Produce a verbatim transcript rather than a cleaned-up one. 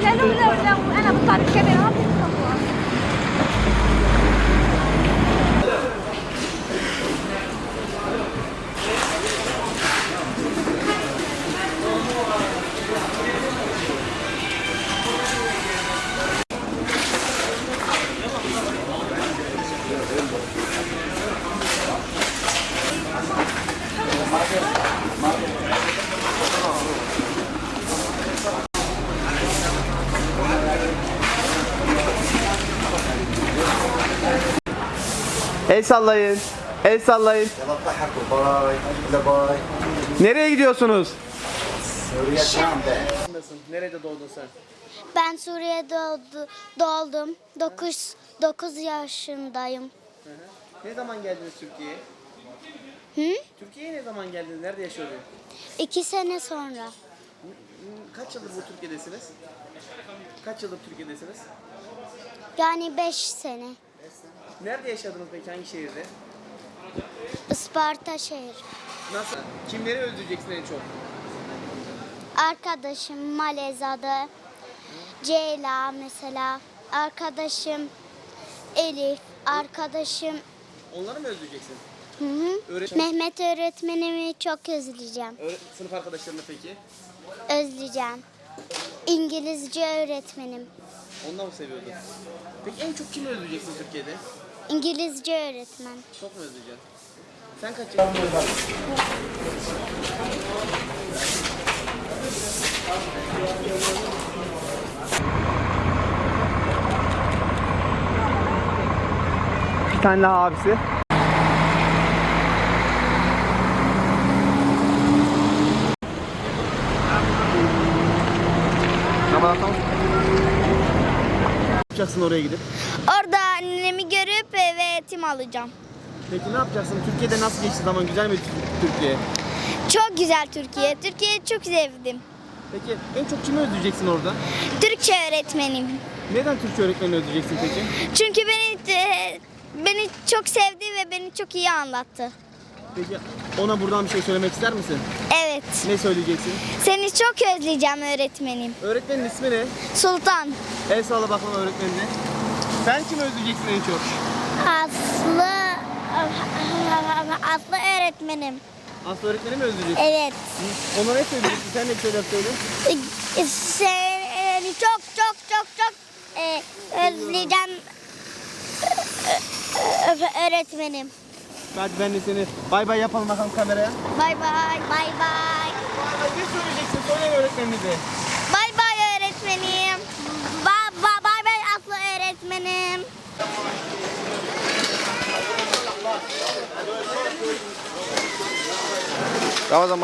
لو لو لو انا بطلع بالكاميرا ما بتصور. El sallayın. El sallayın. Nereye gidiyorsunuz? Suriye Şam'da. Nerede doğdun sen? Ben Suriye'de doğdu, doğdum. dokuz dokuz yaşındayım. Hı hı. Ne zaman geldiniz Türkiye'ye? Hı? Türkiye'ye ne zaman geldiniz? Nerede yaşıyordunuz? İki sene sonra. Kaç yıldır bu Türkiye'desiniz? Kaç yıldır Türkiye'desiniz? Yani beş sene. Nerede yaşadınız peki? Hangi şehirde? Isparta şehir. Nasıl? Kimleri özleyeceksin en çok? Arkadaşım Maleza'da. Ceyla mesela. Arkadaşım Elif. Arkadaşım Onları mı özleyeceksin? hı hı. Öğretmen- Mehmet öğretmenimi çok özleyeceğim. Öğre- sınıf arkadaşlarını peki? Özleyeceğim. İngilizce öğretmenim. Ondan mı seviyordun? Peki en çok kimi özleyeceksin Türkiye'de? İngilizce öğretmen. Çok mu özleyeceksin? Sen kaç yaşındasın? Bir tane daha abisi. Tamam tamam. Ne yapacaksın oraya gidip? Orada annemi görüp eve eğitim alacağım. Peki ne yapacaksın? Türkiye'de nasıl geçti zaman? Güzel mi Türkiye? Çok güzel Türkiye. Türkiye'yi çok sevdim. Peki en çok kimi özleyeceksin orada? Türkçe öğretmenim. Neden Türkçe öğretmenini özleyeceksin peki? Çünkü beni e, beni çok sevdi ve beni çok iyi anlattı. Peki ona buradan bir şey söylemek ister misin? Evet. Ne söyleyeceksin? Seni çok özleyeceğim öğretmenim. Öğretmenin ismi ne? Sultan. El sağla bakalım öğretmenine. Sen kimi özleyeceksin en çok? Aslı Aslı öğretmenim. Aslı öğretmeni mi özleyeceksin? Evet. Ona ne söyleyeceksin? Sen de bir şeyler söyle. Seni çok çok çok çok e, özleyeceğim ö- öğretmenim. Hadi ben de seni bay bay yapalım bakalım kameraya. Bay bay. Bay bay. Bay bay ne söyleyeceksin? Söyle öğretmenimize. Bay bay öğretmenim. Ba ba bay bay Aslı öğretmenim. Tamam o zaman.